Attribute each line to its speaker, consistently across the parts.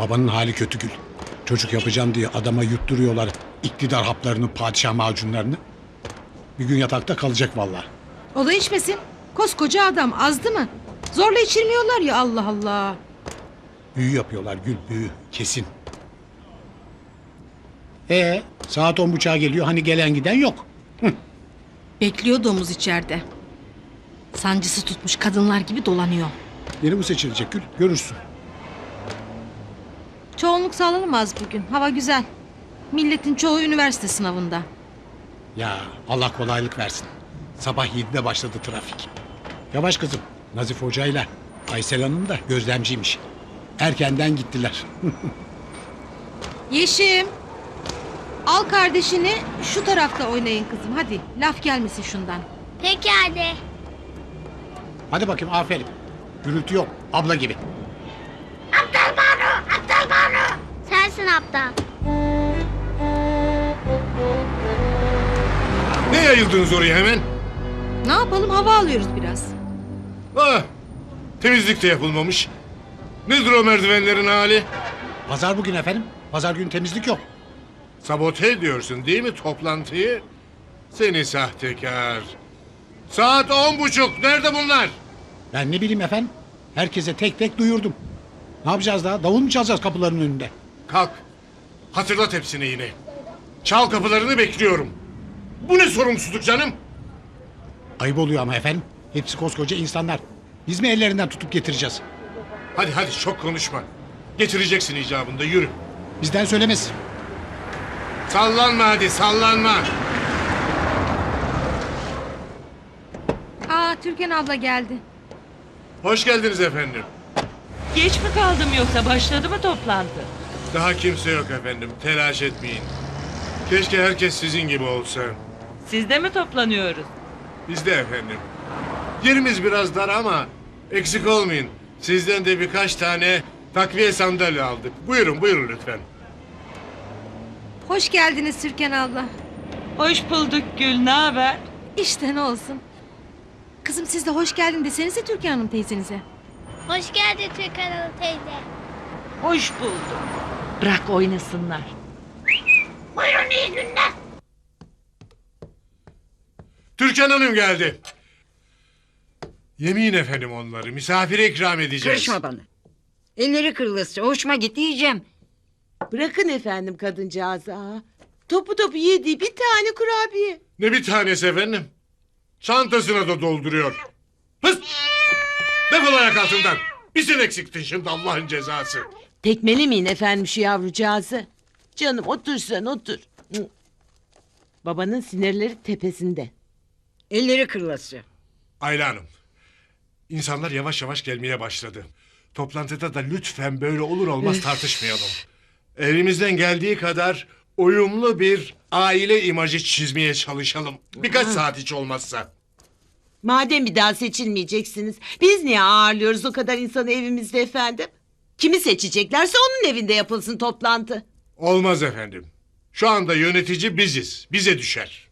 Speaker 1: Babanın hali kötü Gül. Çocuk yapacağım diye adama yutturuyorlar iktidar haplarını, padişah macunlarını. Bir gün yatakta kalacak vallahi.
Speaker 2: O da içmesin. Koskoca adam azdı mı? Zorla içirmiyorlar ya, Allah Allah.
Speaker 1: Büyü yapıyorlar Gül, büyü kesin. Saat 10.30'a geliyor, hani gelen giden yok.
Speaker 2: Bekliyor domuz içeride. Sancısı tutmuş kadınlar gibi dolanıyor.
Speaker 1: Yeni bu seçilecek Gül, görürsün.
Speaker 2: Çoğunluk sağlanamaz bugün. Hava güzel. Milletin çoğu üniversite sınavında.
Speaker 1: Ya Allah kolaylık versin. Sabah 7'de başladı trafik. Yavaş kızım, Nazif Hoca'yla Aysel Hanım da gözlemciymiş. Erkenden gittiler.
Speaker 2: Yeşim. Al kardeşini şu tarafta oynayın kızım. Hadi laf gelmesin şundan.
Speaker 3: Peki hadi.
Speaker 1: Hadi bakayım, aferin. Gürültü yok, abla gibi.
Speaker 3: Sensin aptal.
Speaker 4: Ne yayıldınız oraya hemen?
Speaker 2: Ne yapalım, hava alıyoruz biraz.
Speaker 4: Ah, temizlik de yapılmamış. Nedir o merdivenlerin hali?
Speaker 1: Pazar bugün efendim. Pazar günü temizlik yok.
Speaker 4: Sabote ediyorsun değil mi toplantıyı? Seni sahtekar. Saat 10.30. Nerede bunlar?
Speaker 1: Ben ne bileyim efendim. Herkese tek tek duyurdum. Ne yapacağız daha? Davul mu çalacağız kapıların önünde?
Speaker 4: Kalk. Hatırlat hepsini yine. Çal kapılarını, bekliyorum. Bu ne sorumsuzluk canım?
Speaker 1: Ayıp oluyor ama efendim. Hepsi koskoca insanlar. Biz mi ellerinden tutup getireceğiz?
Speaker 4: Hadi hadi, çok konuşma. Getireceksin icabında, yürü.
Speaker 1: Bizden söylemez.
Speaker 4: Sallanma hadi, sallanma.
Speaker 2: Türkan abla geldi.
Speaker 4: Hoş geldiniz efendim.
Speaker 5: Geç mi kaldım yoksa başladı mı toplantı?
Speaker 4: Daha kimse yok efendim, telaş etmeyin. Keşke herkes sizin gibi olsa.
Speaker 5: Siz de mi toplanıyoruz?
Speaker 4: Biz de efendim. Yerimiz biraz dar ama eksik olmayın. Sizden de birkaç tane takviye sandalye aldık. Buyurun buyurun lütfen.
Speaker 2: Hoş geldiniz Türkan abla.
Speaker 5: Hoş bulduk Gül, ne haber?
Speaker 2: İşte ne olsun. Kızım siz de hoş geldin desenize Türkan Hanım teyzenize.
Speaker 3: Hoş geldin Türkan Hanım teyze.
Speaker 5: Hoş bulduk. Bırak oynasınlar.
Speaker 4: Türkan Hanım geldi. Yemin efendim onları misafire ikram edeceğiz.
Speaker 6: Karışma bana. Elleri kırılırsa hoşuma gitti yiyeceğim.
Speaker 7: Bırakın efendim kadıncağızı ha. Topu topu yediği bir tane kurabiye.
Speaker 4: Ne bir tanesi efendim. Çantasına da dolduruyor. Hız! Defol ayak altından. Bir sen eksiktin şimdi, Allah'ın cezası.
Speaker 7: Tekmelemeyin efendim şu yavrucağızı. Canım otur sen otur. Hı. Babanın sinirleri tepesinde.
Speaker 6: Elleri kırılası.
Speaker 4: Ayla Hanım. İnsanlar yavaş yavaş gelmeye başladı. Toplantıda da lütfen böyle olur olmaz tartışmayalım. Elimizden geldiği kadar uyumlu bir aile imajı çizmeye çalışalım. Birkaç saat hiç olmazsa.
Speaker 7: Madem bir daha seçilmeyeceksiniz, biz niye ağırlıyoruz o kadar insanı evimizde efendim? Kimi seçeceklerse onun evinde yapılsın toplantı.
Speaker 4: Olmaz efendim. Şu anda yönetici biziz. Bize düşer.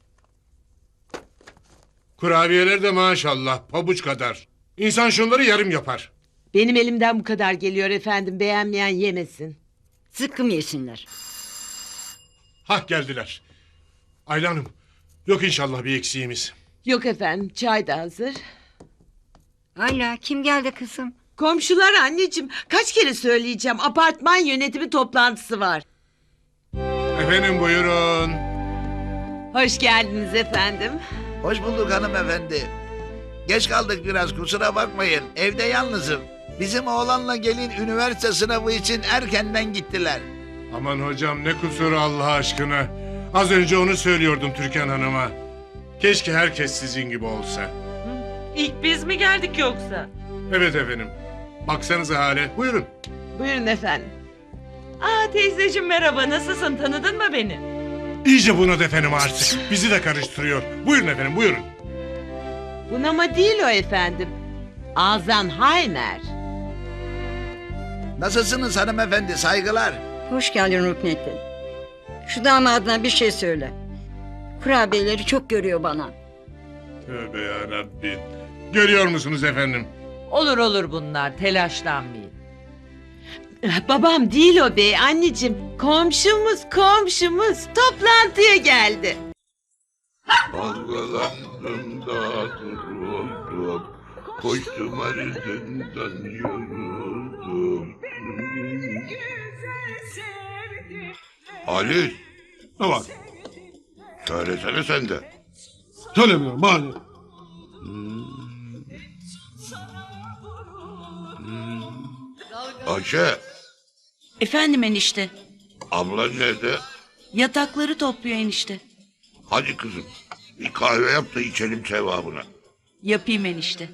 Speaker 4: Kurabiyeler de maşallah pabuç kadar. İnsan şunları yarım yapar.
Speaker 7: Benim elimden bu kadar geliyor efendim, beğenmeyen yemesin.
Speaker 6: Sıkkım yesinler.
Speaker 4: Hah, geldiler. Ayla Hanım, yok inşallah bir eksiğimiz.
Speaker 7: Yok efendim, çay da hazır.
Speaker 6: Ayla kim geldi kızım?
Speaker 7: Komşular anneciğim, kaç kere söyleyeceğim, apartman yönetimi toplantısı var.
Speaker 4: Efendim buyurun.
Speaker 7: Hoş geldiniz efendim.
Speaker 8: Hoş bulduk hanımefendi. Geç kaldık biraz, kusura bakmayın. Evde yalnızım. Bizim oğlanla gelin üniversite sınavı için erkenden gittiler.
Speaker 4: Aman hocam, ne kusuru Allah aşkına. Az önce onu söylüyordum Türkan Hanım'a. Keşke herkes sizin gibi olsa.
Speaker 5: İlk biz mi geldik yoksa?
Speaker 4: Evet efendim. Baksanıza hale. Buyurun.
Speaker 7: Buyurun efendim.
Speaker 5: Teyzeciğim merhaba, nasılsın, tanıdın mı beni?
Speaker 4: İyice buna efendim artık. Bizi de karıştırıyor. Buyurun efendim buyurun.
Speaker 7: Bunama değil o efendim. Alzheimer.
Speaker 8: Nasılsınız hanımefendi, saygılar.
Speaker 6: Hoş geldin Ruknettin. Şu damadına bir şey söyle. Kurabiyeleri çok görüyor bana.
Speaker 4: Tövbe yarabbim. Görüyor musunuz efendim?
Speaker 5: Olur olur bunlar, telaşlanmayın.
Speaker 7: Babam değil o bey anneciğim. Komşumuz toplantıya geldi.
Speaker 9: Dalgalandım da duruldum, koştum arasından yoruldum. Halis,
Speaker 4: Ne var?
Speaker 9: söylesene sen de.
Speaker 4: Söylemiyorum mani.
Speaker 9: Ayşe,
Speaker 10: Efendim enişte.
Speaker 9: ablan nerede?
Speaker 10: Yatakları topluyor enişte.
Speaker 9: Hadi kızım, bir kahve yap da içelim sevabına.
Speaker 10: Yapayım enişte.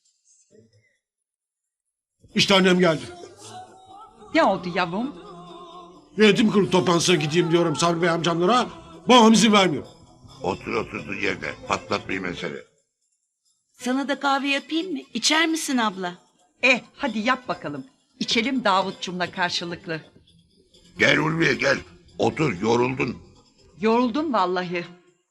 Speaker 4: İşte annem geldi.
Speaker 5: Ne oldu yavrum?
Speaker 4: Yönetim kurulu toplantısına gideyim diyorum Sabri Bey amcamlara. Babam izin vermiyor.
Speaker 9: Otur oturduğun yerde, patlatmayın mesele.
Speaker 10: Sana da kahve yapayım mı? İçer misin abla?
Speaker 5: Hadi yap bakalım. İçelim Davutçumla karşılıklı.
Speaker 9: Gel Ulviye gel, otur yoruldun.
Speaker 5: Yoruldum vallahi.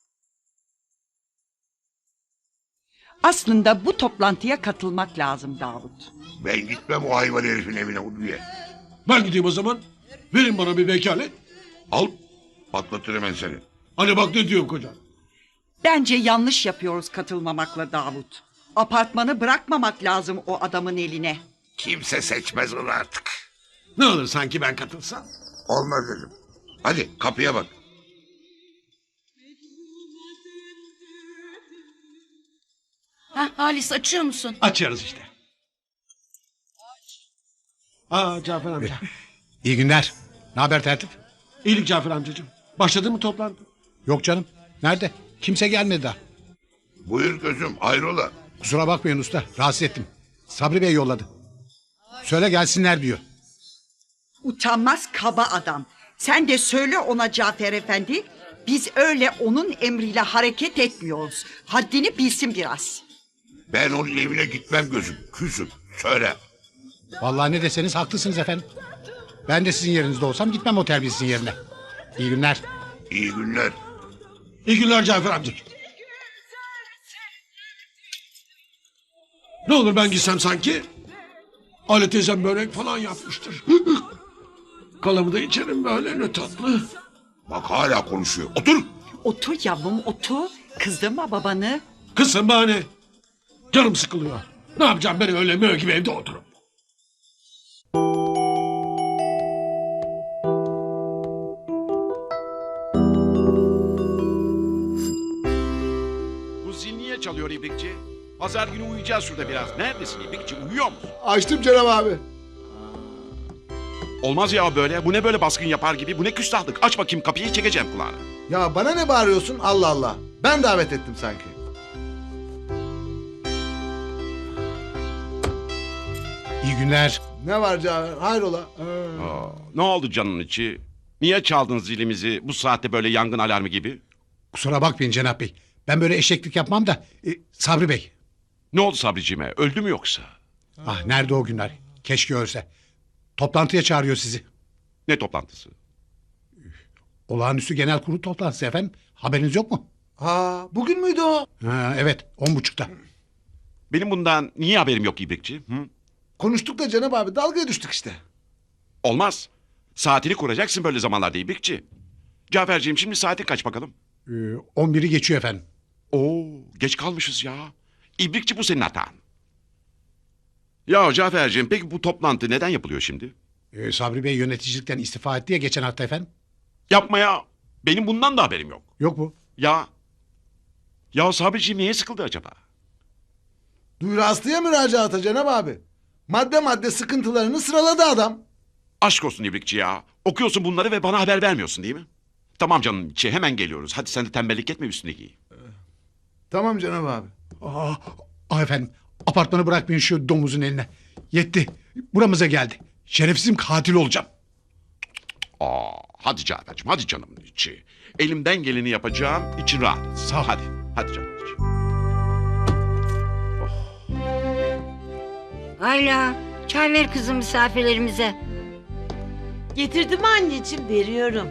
Speaker 5: Aslında bu toplantıya katılmak lazım Davut.
Speaker 9: Ben gitmem o hayvan herifin evine Ulviye.
Speaker 4: Ben gideyim o zaman. Verin bana bir vekalet.
Speaker 9: Al, patlatır hemen seni.
Speaker 4: Hani bak ne diyorum kocam.
Speaker 5: Bence yanlış yapıyoruz katılmamakla Davut. Apartmanı bırakmamak lazım o adamın eline.
Speaker 9: Kimse seçmez onu artık.
Speaker 4: Ne olur sanki ben katılsam.
Speaker 9: Olmaz dedim. Hadi kapıya bak.
Speaker 10: Halis açıyor musun?
Speaker 4: Açarız işte. Cafer amca.
Speaker 1: İyi günler. Ne haber tertip?
Speaker 4: İyilik Cafer amcacığım. Başladı mı toplantı?
Speaker 1: Yok canım. Nerede? Kimse gelmedi daha.
Speaker 9: Buyur gözüm hayrola.
Speaker 1: Kusura bakmayın usta. Rahatsız ettim. Sabri Bey yolladı. Söyle gelsinler diyor.
Speaker 5: Utanmaz kaba adam. Sen de söyle ona Cafer Efendi. Biz öyle onun emriyle hareket etmiyoruz. Haddini bilsin biraz.
Speaker 9: Ben onun evine gitmem gözüm. Küsüm. Söyle.
Speaker 1: Vallahi ne deseniz haklısınız efendim. Ben de sizin yerinizde olsam gitmem o terbiyesizin yerine. İyi günler.
Speaker 9: İyi günler.
Speaker 4: İyi günler Cafer amcacığım. Ne olur ben gitsem sanki. Ali teyzem börek falan yapmıştır. Kalamı da içerim böyle ne tatlı.
Speaker 9: Bak hala konuşuyor. Otur.
Speaker 5: Otur yavrum otur. Kızdırma babanı.
Speaker 4: Kızım bana. Canım sıkılıyor. Ne yapacağım ben öyle mö gibi evde oturup.
Speaker 11: Bu zil niye çalıyor İbrikçi? Pazar günü uyuyacağız şurada biraz. Neredesin İbrikçi? Uyuyor musun?
Speaker 12: Açtım Cenab abi.
Speaker 11: Olmaz ya böyle. Bu ne böyle baskın yapar gibi? Bu ne küstahlık? Aç bakayım kapıyı çekeceğim kulağına.
Speaker 12: Ya bana ne bağırıyorsun Allah Allah. Ben davet ettim sanki.
Speaker 1: İyi günler.
Speaker 12: Ne var Cafer? Hayrola?
Speaker 11: Ne oldu canın içi? Niye çaldın zilimizi bu saatte böyle yangın alarmı gibi?
Speaker 1: Kusura bakmayın Cenap Bey. Ben böyle eşeklik yapmam da. Sabri Bey.
Speaker 11: Ne oldu Sabriciğime? Öldü mü yoksa?
Speaker 1: Ah nerede o günler? Keşke ölse. Toplantıya çağırıyor sizi.
Speaker 11: Ne toplantısı?
Speaker 1: Olağanüstü genel kurulu toplantısı efendim. Haberiniz yok mu?
Speaker 12: Bugün müydü o?
Speaker 1: Evet 10.30'da.
Speaker 11: Benim bundan niye haberim yok İbrikçi? Hı?
Speaker 12: Konuştuk da Cenab abi dalgaya düştük işte.
Speaker 11: Olmaz. Saatini kuracaksın böyle zamanlarda İbrikçi. Caferciğim şimdi saati kaç bakalım?
Speaker 1: 11'i geçiyor efendim.
Speaker 11: Oo, geç kalmışız ya. İbrikçi bu senin hatan. Ya Caferciğim peki bu toplantı neden yapılıyor şimdi?
Speaker 1: Sabri Bey yöneticilikten istifa etti ya geçen hafta efendim.
Speaker 11: Yapma ya. Benim bundan da haberim yok.
Speaker 1: Yok mu?
Speaker 11: Ya. Ya Sabriciğim niye sıkıldı acaba?
Speaker 12: Duyuru Aslı'ya müracaata Cenab abi. Madde madde sıkıntılarını sıraladı adam.
Speaker 11: Aşk olsun İbrikçi ya. Okuyorsun bunları ve bana haber vermiyorsun değil mi? Tamam canım içi hemen geliyoruz. Hadi sen de tembellik etme üstüne giy.
Speaker 12: Tamam Cenab abi.
Speaker 1: Efendim apartmanı bırakmayın şu domuzun eline. Yetti. Buramıza geldi. Şerefsizim katil olacağım.
Speaker 11: Hadi Cafer'cim hadi canım içi. Elimden geleni yapacağım. İçin rahat.
Speaker 1: Sağ ol.
Speaker 11: Hadi. Hadi canım içi.
Speaker 6: Ayla çay ver kızım misafirlerimize.
Speaker 7: Getirdim anneciğim veriyorum.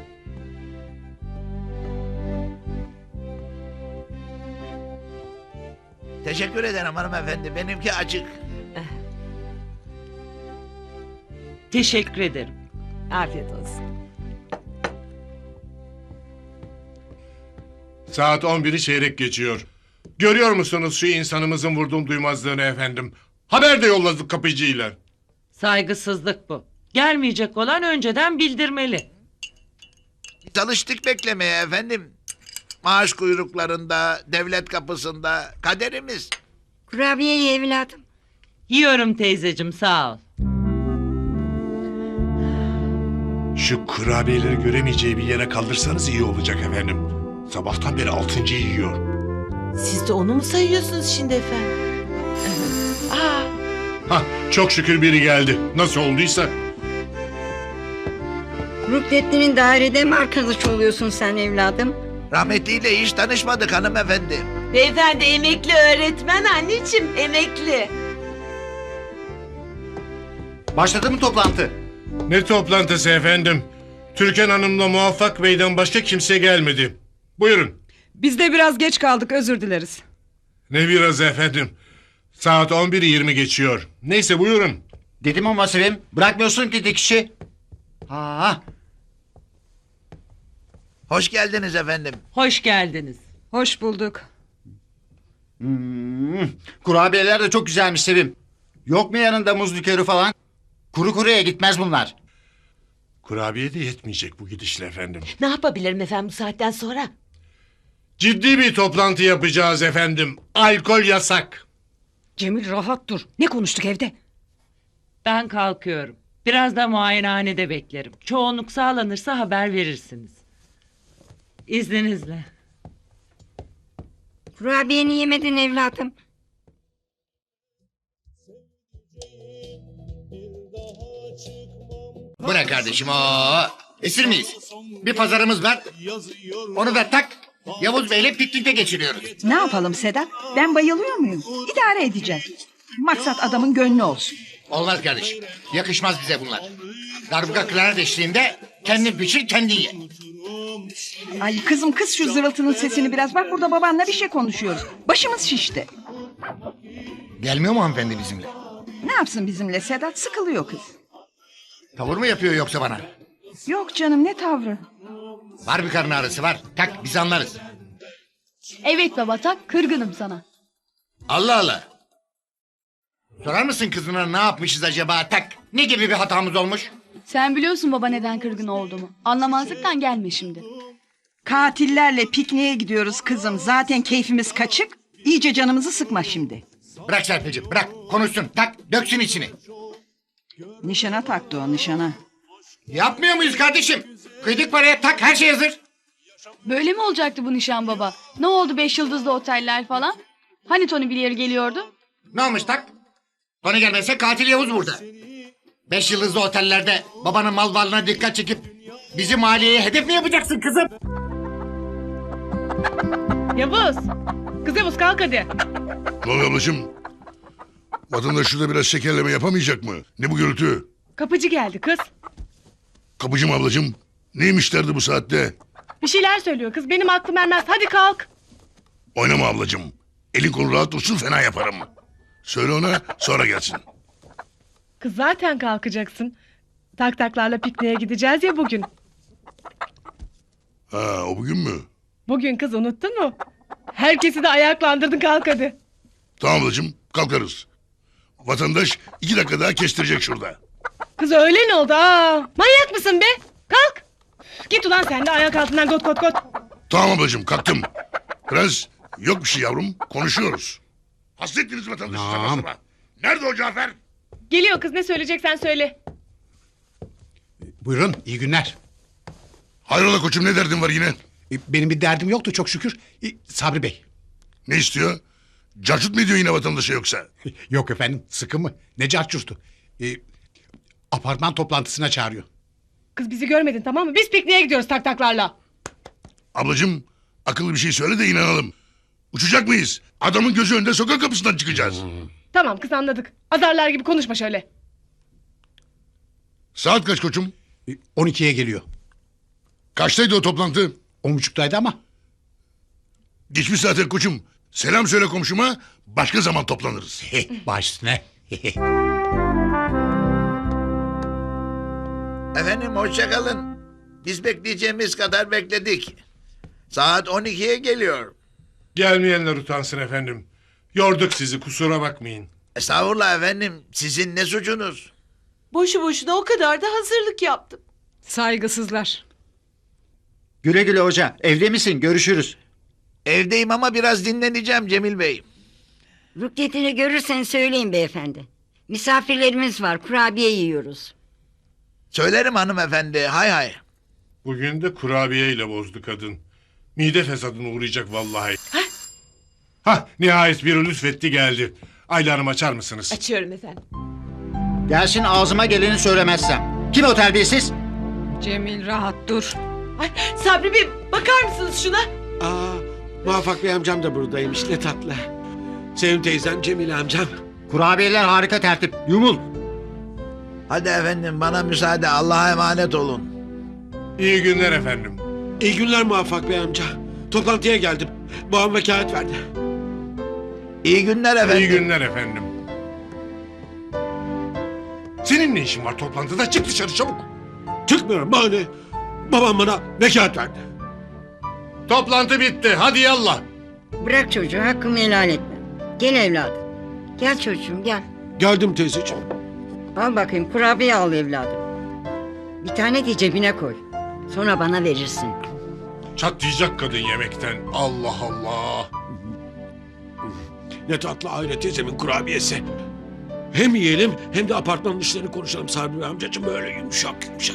Speaker 8: Teşekkür ederim hanımefendi. Benimki açık.
Speaker 7: Teşekkür ederim. Afiyet olsun.
Speaker 4: Saat 11'i çeyrek geçiyor. Görüyor musunuz şu insanımızın vurduğum duymazlığını efendim? Haber de yolladık kapıcıyla.
Speaker 7: Saygısızlık bu. Gelmeyecek olan önceden bildirmeli.
Speaker 8: Çalıştık beklemeye efendim. Maaş kuyruklarında, devlet kapısında kaderimiz.
Speaker 6: Kurabiye ye evladım.
Speaker 7: Yiyorum teyzecim, sağ ol.
Speaker 4: Şu kurabiyeleri göremeyeceği bir yere kaldırsanız iyi olacak efendim. Sabahtan beri 6.'yı yiyor.
Speaker 7: Siz de onu mu sayıyorsunuz şimdi efendim? Aa,
Speaker 4: Hah, çok şükür biri geldi. Nasıl olduysa.
Speaker 6: Ruknettin'in dairede mi arkadaş oluyorsun sen evladım?
Speaker 8: Rahmetliyle hiç tanışmadık hanımefendi.
Speaker 7: beyefendi emekli öğretmen anneciğim, emekli.
Speaker 12: Başladı mı toplantı?
Speaker 4: Ne toplantısı efendim? Türkan Hanım'la Muvaffak Bey'den başka kimse gelmedi. Buyurun.
Speaker 13: Biz de biraz geç kaldık, özür dileriz.
Speaker 4: Ne biraz efendim. Saat 11'i 20 geçiyor. Neyse buyurun.
Speaker 12: Dedim ama Sevim, bırakmıyorsun ki dikişi. Ha.
Speaker 8: Hoş geldiniz efendim.
Speaker 7: Hoş geldiniz.
Speaker 13: Hoş bulduk.
Speaker 12: Kurabiyeler de çok güzelmiş Sevim. Yok mu yanında muz likörü falan? Kuru kuruya gitmez bunlar.
Speaker 4: Kurabiye de yetmeyecek bu gidişle efendim.
Speaker 7: Ne yapabilirim efendim bu saatten sonra?
Speaker 4: Ciddi bir toplantı yapacağız efendim. Alkol yasak.
Speaker 13: Cemil rahat dur. Ne konuştuk evde?
Speaker 7: Ben kalkıyorum. Biraz da muayenehanede beklerim. Çoğunluk sağlanırsa haber verirsiniz. İzninizle.
Speaker 6: Kurabiyeni yemedin evladım.
Speaker 12: Bu ne kardeşim o? Esir miyiz? Bir pazarımız var. Onu da tak. Yavuz Bey'le piknikte geçiriyoruz.
Speaker 5: Ne yapalım Sedat? Ben bayılıyor muyum? İdare edeceğiz. Maksat adamın gönlü olsun.
Speaker 12: Olmaz kardeşim. Yakışmaz bize bunlar. Darbuka klarnet eşliğinde kendin pişir kendin ye.
Speaker 5: Ay kızım kız şu zırıltının sesini biraz. Bak burada babanla bir şey konuşuyoruz. Başımız şişti.
Speaker 12: Gelmiyor mu hanımefendi bizimle?
Speaker 5: Ne yapsın bizimle Sedat? Sıkılıyor kız.
Speaker 12: Tavır mı yapıyor yoksa bana?
Speaker 5: Yok canım ne tavrı?
Speaker 12: Var bir karın ağrısı var. Tak biz anlarız.
Speaker 14: Evet baba tak kırgınım sana.
Speaker 12: Allah Allah. Sorar mısın kızına ne yapmışız acaba tak? Ne gibi bir hatamız olmuş?
Speaker 14: Sen biliyorsun baba neden kırgın olduğumu. Anlamazlıktan gelme şimdi.
Speaker 5: Katillerle pikniğe gidiyoruz kızım. Zaten keyfimiz kaçık. İyice canımızı sıkma şimdi.
Speaker 12: Bırak Serpil'ciğim bırak konuşsun tak döksün içini.
Speaker 5: Nişana taktı o nişana.
Speaker 12: Yapmıyor muyuz kardeşim? Kıydık paraya tak her şey hazır.
Speaker 14: Böyle mi olacaktı bu nişan baba? Ne oldu 5 yıldızlı oteller falan? Hani Tony Blair geliyordu?
Speaker 12: Ne olmuş tak? Tony gelmezse katil Yavuz burada. 5 yıldızlı otellerde babanın mal varlığına dikkat çekip bizi maliyeye hedef mi yapacaksın kızım?
Speaker 13: Yavuz. Kız Yavuz kalk hadi.
Speaker 9: Ne oluyor ablacığım? Vatandaş şurada biraz şekerleme yapamayacak mı? Ne bu gürültü?
Speaker 13: Kapıcı geldi kız.
Speaker 9: Kapıcım ablacığım. Neymiş derdi bu saatte?
Speaker 13: Bir şeyler söylüyor kız. Benim aklım ermez. Hadi kalk.
Speaker 9: Oynama ablacığım. Elin kolu rahat dursun fena yaparım. Söyle ona sonra gelsin.
Speaker 13: Kız zaten kalkacaksın. Tak taklarla pikniğe gideceğiz ya bugün.
Speaker 9: Ha o bugün mü?
Speaker 13: Bugün kız unuttun mu? Herkesi de ayaklandırdın kalk hadi.
Speaker 9: Tamam ablacığım kalkarız. Vatandaş 2 dakika daha kestirecek şurada.
Speaker 13: Kız öyle ne oldu? Aa, manyak mısın be? Kalk. Git ulan sen de ayak altından got got got.
Speaker 9: Tamam ablacığım kalktım. Prens yok bir şey yavrum konuşuyoruz. Hasrettiniz vatandaşı sabah sabah. Nerede o Cafer?
Speaker 13: Geliyor kız ne söyleyeceksen söyle.
Speaker 1: Buyurun iyi günler.
Speaker 9: Hayrola koçum ne derdin var yine?
Speaker 1: Benim bir derdim yoktu çok şükür. Sabri Bey.
Speaker 9: Ne istiyor? Carçut mu ediyor yine vatandaşa yoksa?
Speaker 1: Yok efendim sıkı mı? Ne carçurtu? Apartman toplantısına çağırıyor.
Speaker 13: Kız bizi görmedin tamam mı? Biz pikniğe gidiyoruz tak taklarla.
Speaker 9: Ablacığım akıllı bir şey söyle de inanalım. Uçacak mıyız? Adamın gözü önünde sokak kapısından çıkacağız.
Speaker 13: Tamam kız anladık. Azarlar gibi konuşma şöyle.
Speaker 9: Saat kaç koçum?
Speaker 1: 12'ye geliyor.
Speaker 9: Kaçtaydı o toplantı?
Speaker 1: 10.30'daydı ama.
Speaker 9: Geçmiş zaten koçum. Selam söyle komşuma. Başka zaman toplanırız.
Speaker 1: Baş üstüne.
Speaker 8: Efendim hoşça kalın. Biz bekleyeceğimiz kadar bekledik. Saat 12'ye geliyor.
Speaker 4: Gelmeyenler utansın efendim. Yorduk sizi, kusura bakmayın.
Speaker 8: Estağfurullah efendim. Sizin ne suçunuz?
Speaker 7: Boşu boşuna o kadar da hazırlık yaptım.
Speaker 13: Saygısızlar.
Speaker 12: Güle güle hoca. Evde misin? Görüşürüz.
Speaker 8: Evdeyim ama biraz dinleneceğim Cemil Bey.
Speaker 6: Ruknetini görürsen söyleyin beyefendi. Misafirlerimiz var, kurabiye yiyoruz.
Speaker 8: Söylerim hanımefendi. Hay hay.
Speaker 4: Bugün de kurabiye ile bozdu kadın. Mide fesadına uğrayacak vallahi. Hah, nihayet biri lütfetti geldi. Ayla Hanım açar mısınız?
Speaker 7: Açıyorum efendim.
Speaker 12: Gelsin ağzıma geleni söylemezsem. Kim o terbiyesiz?
Speaker 13: Cemil rahat dur.
Speaker 7: Ay, Sabri Bey bakar mısınız şuna?
Speaker 15: Aa, Muvaffak Bey amcam da buradaymış, ne tatlı. Sevim teyzem, Cemil amcam.
Speaker 12: Kurabiyeler harika tertip. Yumul.
Speaker 8: Hadi efendim bana müsaade. Allah'a emanet olun.
Speaker 4: İyi günler efendim.
Speaker 15: İyi günler Muvaffak Bey amca. Toplantıya geldim. Babam vekalet verdi.
Speaker 8: İyi günler efendim.
Speaker 4: İyi günler efendim. Senin ne işin var toplantıda? Çık dışarı çabuk.
Speaker 15: Çıkmıyorum bahane. Babam bana vekalet verdi.
Speaker 4: Toplantı bitti. Hadi yallah.
Speaker 6: Bırak çocuğu, hakkımı helal etme. Gel evladım. Gel çocuğum gel.
Speaker 15: Geldim teyzeciğim.
Speaker 6: Al bakayım kurabiye al evladım. Bir tane de cebine koy. Sonra bana verirsin.
Speaker 4: Çatlayacak kadın yemekten. Allah Allah.
Speaker 15: Ne tatlı Ayla teyzemin kurabiyesi. Hem yiyelim hem de apartmanın işlerini konuşalım Sabri Bey amcacığım, böyle yumuşak yumuşak.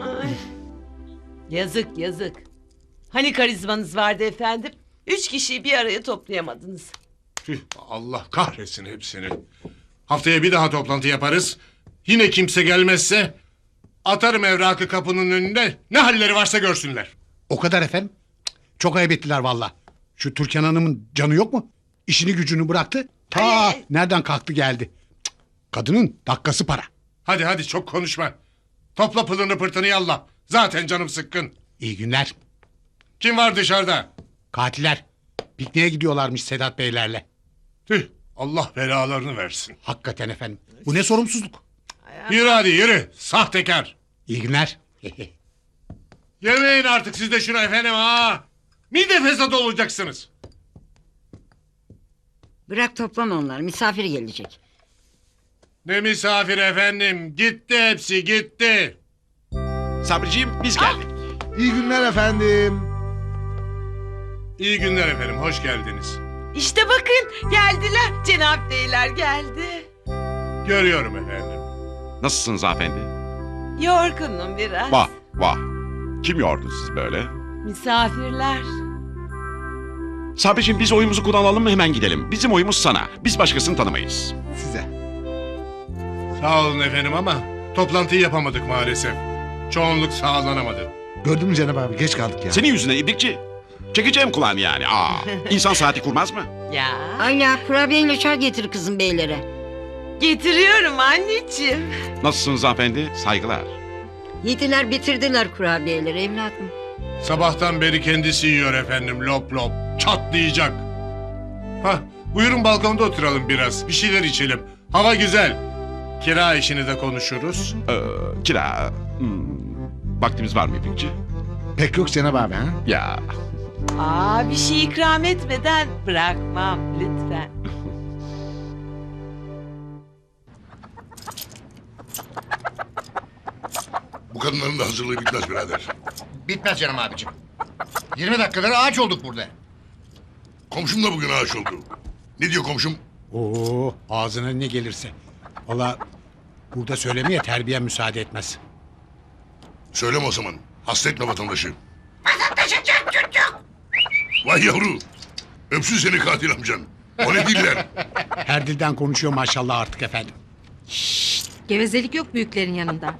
Speaker 7: Yazık yazık. Hani karizmanız vardı efendim? 3 kişiyi bir araya toplayamadınız.
Speaker 4: Tüh, Allah kahretsin hepsini. Haftaya bir daha toplantı yaparız. Yine kimse gelmezse atarım evrakı kapının önünde. Ne halleri varsa görsünler.
Speaker 1: O kadar efendim. Cık, çok ayıp ettiler valla. Şu Türkan Hanım'ın canı yok mu? İşini gücünü bıraktı. Ta nereden kalktı geldi. Cık, kadının dakikası para.
Speaker 4: Hadi hadi çok konuşma. Topla pılını pırtını yallah. Zaten canım sıkkın.
Speaker 1: İyi günler.
Speaker 4: Kim var dışarıda?
Speaker 1: Katiller. Pikniğe gidiyorlarmış Sedat Beylerle.
Speaker 4: Tüh, Allah belalarını versin.
Speaker 1: Hakikaten efendim. Bu ne sorumsuzluk.
Speaker 4: Yürü hadi yürü. Sahtekar.
Speaker 1: İyi günler.
Speaker 4: Yemeyin artık siz de şunu efendim ha. Mide fesadı olacaksınız.
Speaker 6: Bırak toplama onları, misafir gelecek.
Speaker 4: Ne misafir efendim. Gitti hepsi gitti.
Speaker 11: Sabriciğim biz geldik.
Speaker 16: İyi günler efendim.
Speaker 4: İyi günler efendim. Hoş geldiniz.
Speaker 7: İşte bakın geldiler. Cenab Beyler geldi.
Speaker 4: Görüyorum efendim.
Speaker 11: Nasılsınız hanımefendi?
Speaker 7: Yorgunum biraz.
Speaker 11: Vah vah. Kim yordu sizi böyle?
Speaker 7: Misafirler.
Speaker 11: Sabriciğim biz oyumuzu kullanalım mı, hemen gidelim. Bizim oyumuz sana. Biz başkasını tanımayız.
Speaker 16: Size.
Speaker 4: Sağ olun efendim ama toplantıyı yapamadık maalesef. Çoğunluk sağlanamadı.
Speaker 16: Gördün mü Cenab abi, geç kaldık ya.
Speaker 11: Senin yüzünden ibrikçi. Çekeceğim kulağını yani. Aa, insan saati kurmaz mı?
Speaker 7: Ya.
Speaker 6: Ayla kurabiyeyle çay getir kızım beylere.
Speaker 7: Getiriyorum anneciğim.
Speaker 11: Nasılsınız hanımefendi? Saygılar.
Speaker 6: Yediler bitirdiler kurabiyeleri evladım.
Speaker 4: Sabahtan beri kendisi yiyor efendim lop lop. Çatlayacak. Hah, buyurun balkonda oturalım biraz. Bir şeyler içelim. Hava güzel. Kira işini de konuşuruz.
Speaker 11: Kira. Vaktimiz var mı ibrikçi?
Speaker 16: Pek yok Cenab abi ha.
Speaker 11: Ya.
Speaker 7: Aa, bir şey ikram etmeden bırakmam lütfen.
Speaker 9: Bu kadınların da hazırlığı bitmez birader.
Speaker 12: Bitmez canım abicim. 20 dakikadır ağaç olduk burada.
Speaker 9: Komşum da bugün ağaç oldu. Ne diyor komşum?
Speaker 1: Oo, ağzına ne gelirse. Valla burada söylemeye terbiye müsaade etmez.
Speaker 9: Söyleme o zaman. Hasta etme vatandaşı. Vatandaşı çocuk. Vay yavru. Öpsün seni katil amcan. O ne diller?
Speaker 1: Her dilden konuşuyor maşallah artık efendim.
Speaker 2: Gevezelik yok büyüklerin yanında.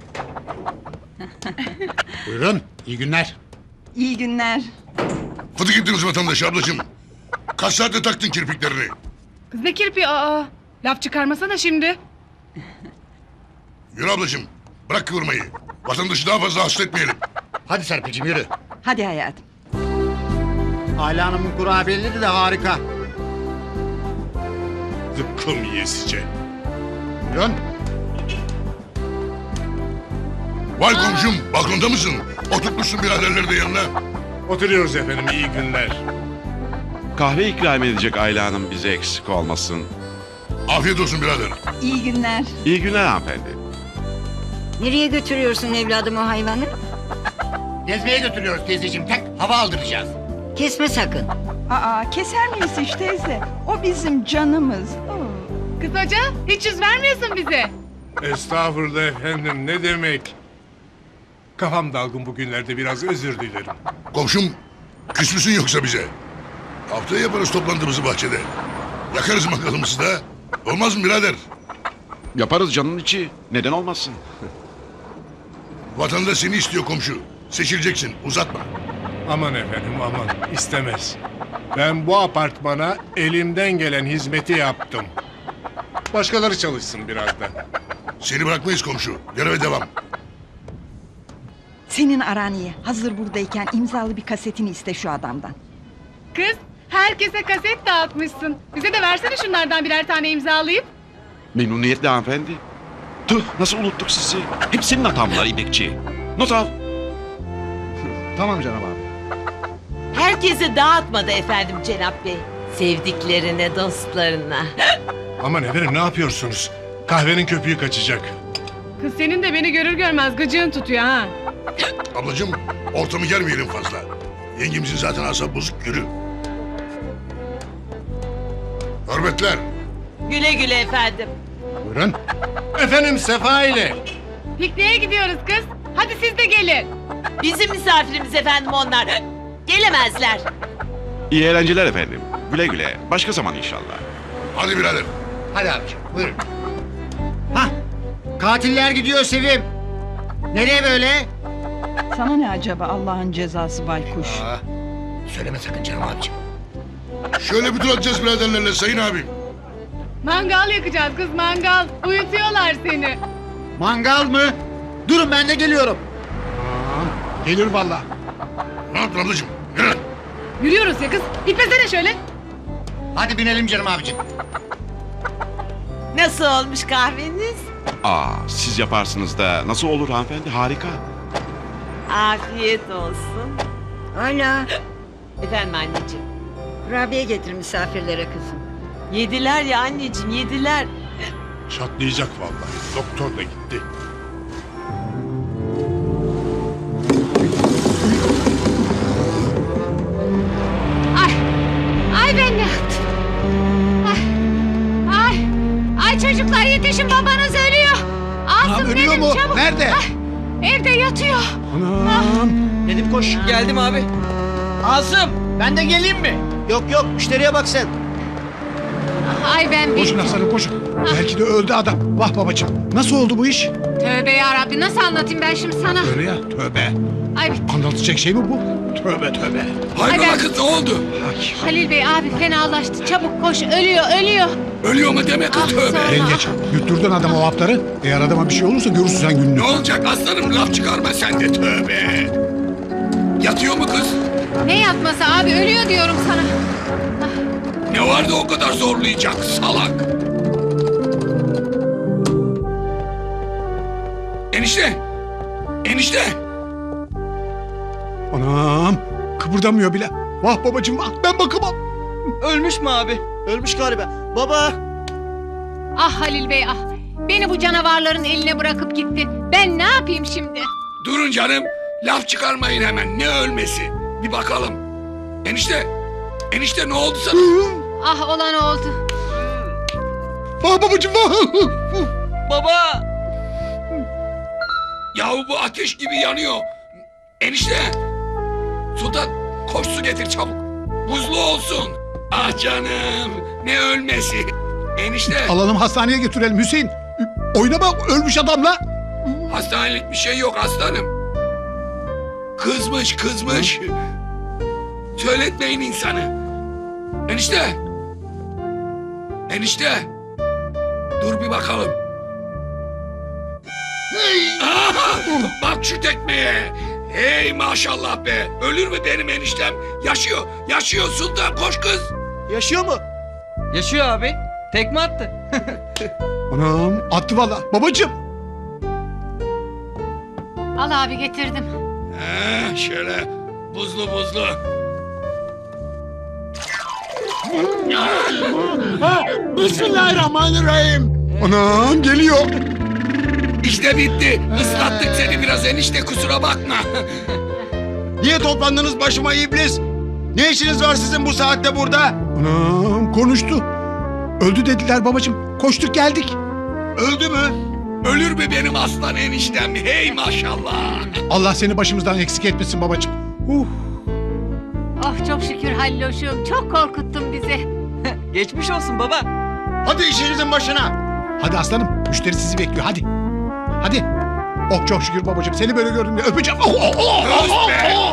Speaker 1: Buyurun, iyi günler.
Speaker 10: İyi günler.
Speaker 9: Hadi gittiniz vatandaşı ablacığım. Kaç saatte taktın kirpiklerini?
Speaker 13: Kız ne kirpi aa. Laf çıkarmasana şimdi.
Speaker 9: Yürü ablacığım. Bırak kıvırmayı. Vatandaşı daha fazla hasta etmeyelim.
Speaker 12: Hadi Serpil'cim yürü.
Speaker 10: Hadi hayatım.
Speaker 12: Ayla Hanım'ın kurabiyeleri de harika.
Speaker 4: Zıkkım yiyesice.
Speaker 1: Buyurun.
Speaker 9: Vay komşum balkonda mısın? Oturtmuşsun biraderleri de yanına.
Speaker 4: Oturuyoruz efendim, iyi günler.
Speaker 11: Kahve ikram edecek Ayla Hanım bize eksik olmasın.
Speaker 9: Afiyet olsun birader.
Speaker 6: İyi günler.
Speaker 11: İyi günler hanımefendi.
Speaker 6: Nereye götürüyorsun evladım o hayvanı?
Speaker 12: Gezmeye götürüyoruz teyzeciğim. Tek hava aldıracağız.
Speaker 6: Kesme sakın.
Speaker 5: Aa, keser miyiz hiç teyze? O bizim canımız.
Speaker 13: Kız hoca hiç yüz vermiyorsun bize.
Speaker 4: Estağfurullah efendim, ne demek? Kafam dalgın bugünlerde, biraz özür dilerim.
Speaker 9: Komşum küs müsün yoksa bize? Haftaya yaparız toplantımızı bahçede. Yakarız mangalımızı da. Olmaz mı birader?
Speaker 11: Yaparız canın içi. Neden olmasın?
Speaker 9: Vatandaş seni istiyor komşu. Seçileceksin, uzatma.
Speaker 4: Aman efendim aman, istemez. Ben bu apartmana elimden gelen hizmeti yaptım. Başkaları çalışsın biraz da.
Speaker 9: Seni bırakmayız komşu. Göreve devam.
Speaker 5: Senin aran iyi. Hazır buradayken imzalı bir kasetini iste şu adamdan.
Speaker 13: Kız herkese kaset dağıtmışsın. Bize de versene şunlardan birer tane imzalayıp.
Speaker 11: Memnuniyetle hanımefendi. Tüh nasıl unuttuk sizi. Hep senin hatan bunlar İbrikçi. Not al.
Speaker 16: Tamam Cenab abi.
Speaker 7: Herkese dağıtmadı efendim Cenap Bey. Sevdiklerine, dostlarına.
Speaker 4: Aman efendim, ne yapıyorsunuz? Kahvenin köpüğü kaçacak.
Speaker 13: Kız senin de beni görür görmez gıcığın tutuyor ha.
Speaker 9: Ablacığım ortamı germeyelim fazla. Yengemizin zaten asabı bozuk, yürü. Hürmetler.
Speaker 7: Güle güle efendim.
Speaker 4: Buyurun. Efendim Sefa ile.
Speaker 13: Pikniğe gidiyoruz kız. Hadi siz de gelin.
Speaker 7: Bizim misafirimiz efendim onlar. Gelemezler.
Speaker 11: İyi eğlenceler efendim. Güle güle. Başka zaman inşallah.
Speaker 9: Hadi birader.
Speaker 12: Hadi abiciğim buyurun. Hah, katiller gidiyor Sevim. Nereye böyle?
Speaker 5: Sana ne acaba Allah'ın cezası baykuş?
Speaker 12: Aa, söyleme sakın canım abiciğim.
Speaker 9: Şöyle bir tur atacağız biraderlerle sayın abim.
Speaker 13: Mangal yakacağız kız mangal. Uyutuyorlar seni.
Speaker 12: Mangal mı? Durun ben de geliyorum.
Speaker 1: Gelir valla.
Speaker 9: Ne yaptın ablacığım? Yürü.
Speaker 13: Yürüyoruz ya kız. Gitmesene şöyle.
Speaker 12: Hadi binelim canım abiciğim.
Speaker 7: Nasıl olmuş kahveniz?
Speaker 11: Siz yaparsınız da nasıl olur hanımefendi? Harika.
Speaker 7: Afiyet olsun.
Speaker 6: Hala
Speaker 7: Efendim anneciğim.
Speaker 6: kurabiye getir misafirlere kızım.
Speaker 7: Yediler ya anneciğim yediler.
Speaker 4: Çatlayacak vallahi. Doktor da gitti.
Speaker 2: Ay ben ne yaptım? Ay çocuklar yetişin, babanız ölüyor. Asım
Speaker 1: ölüyor
Speaker 2: benim
Speaker 1: mu?
Speaker 2: çabuk.
Speaker 1: Nerede?
Speaker 2: Evde yatıyor.
Speaker 1: Anam.
Speaker 12: Dedim koş. Geldim abi. Asım ben de geleyim mi? Yok yok müşteriye bak sen.
Speaker 2: Ay ben
Speaker 1: Koşun
Speaker 2: bittim.
Speaker 1: aslanım koşun. Belki de öldü adam. Vah babacığım. Nasıl oldu bu iş?
Speaker 2: Tövbe yarabbi, nasıl anlatayım ben şimdi sana?
Speaker 1: Öyle ya tövbe.
Speaker 2: Ay bittim.
Speaker 1: Anlatacak şey mi bu? Tövbe tövbe.
Speaker 2: Hayrola
Speaker 15: kız ne oldu?
Speaker 2: Halil Bey abi fenalaştı. Çabuk koş, ölüyor.
Speaker 15: Ölüyor mu deme kız
Speaker 2: Ah,
Speaker 15: tövbe.
Speaker 2: sorma.
Speaker 1: Yengeç yutturdun adama o hapları. Eğer adama bir şey olursa görürsün sen gününü.
Speaker 15: Ne olacak aslanım laf çıkarma sen de tövbe. Yatıyor mu kız?
Speaker 2: Ne yatması abi, ölüyor diyorum sana.
Speaker 15: Ne vardı o kadar zorlayacak salak? Enişte! Enişte!
Speaker 1: Anam kıpırdamıyor bile. Vah babacığım vah, ben bakamam.
Speaker 12: Ölmüş mü abi? Ölmüş galiba. Baba.
Speaker 2: Ah Halil Bey ah. Beni bu canavarların eline bırakıp gitti. Ben ne yapayım şimdi?
Speaker 15: Durun canım. Laf çıkarmayın hemen. Ne ölmesi? Bir bakalım. Enişte! Enişte ne oldu sana?
Speaker 2: Ah olan oldu.
Speaker 1: Vah babacığım vah.
Speaker 12: Baba.
Speaker 15: Yahu bu ateş gibi yanıyor. Enişte! Sultan koş su getir çabuk. Buzlu olsun. Ah canım. Ne ölmesi? Enişte!
Speaker 1: Alalım hastaneye götürelim Hüseyin. Oynama ölmüş adamla.
Speaker 15: Hastanelik bir şey yok aslanım. Kızmış. Söyletmeyin insanı. Enişte! Enişte! Dur bir bakalım. Aha! Bak şu tekmeye. Hey maşallah be. Ölür mü benim eniştem? Yaşıyor Sultan koş kız.
Speaker 12: Yaşıyor mu? Yaşıyor abi. Tekme attı.
Speaker 1: Anam attı valla. Babacığım.
Speaker 17: Al abi getirdim.
Speaker 15: Şöyle buzlu buzlu.
Speaker 1: Bismillahirrahmanirrahim. Anam geliyor.
Speaker 15: İşte bitti. Islattık seni biraz enişte kusura bakma.
Speaker 18: Niye toplandınız başıma iblis? Ne işiniz var sizin bu saatte burada?
Speaker 1: Anam konuştu. Öldü dediler babacığım. Koştuk geldik.
Speaker 18: Öldü mü?
Speaker 15: Ölür mü benim aslan eniştem? Hey maşallah.
Speaker 1: Allah seni başımızdan eksik etmesin babacığım.
Speaker 17: Oh çok şükür Halloşum. Çok korkuttun bizi.
Speaker 7: Geçmiş olsun baba.
Speaker 18: Hadi işinizin başına.
Speaker 1: Hadi aslanım. Müşteri sizi bekliyor. Hadi. Hadi. Oh çok şükür babacığım. Seni böyle gördüm ya. Öpeceğim.
Speaker 15: Öz be!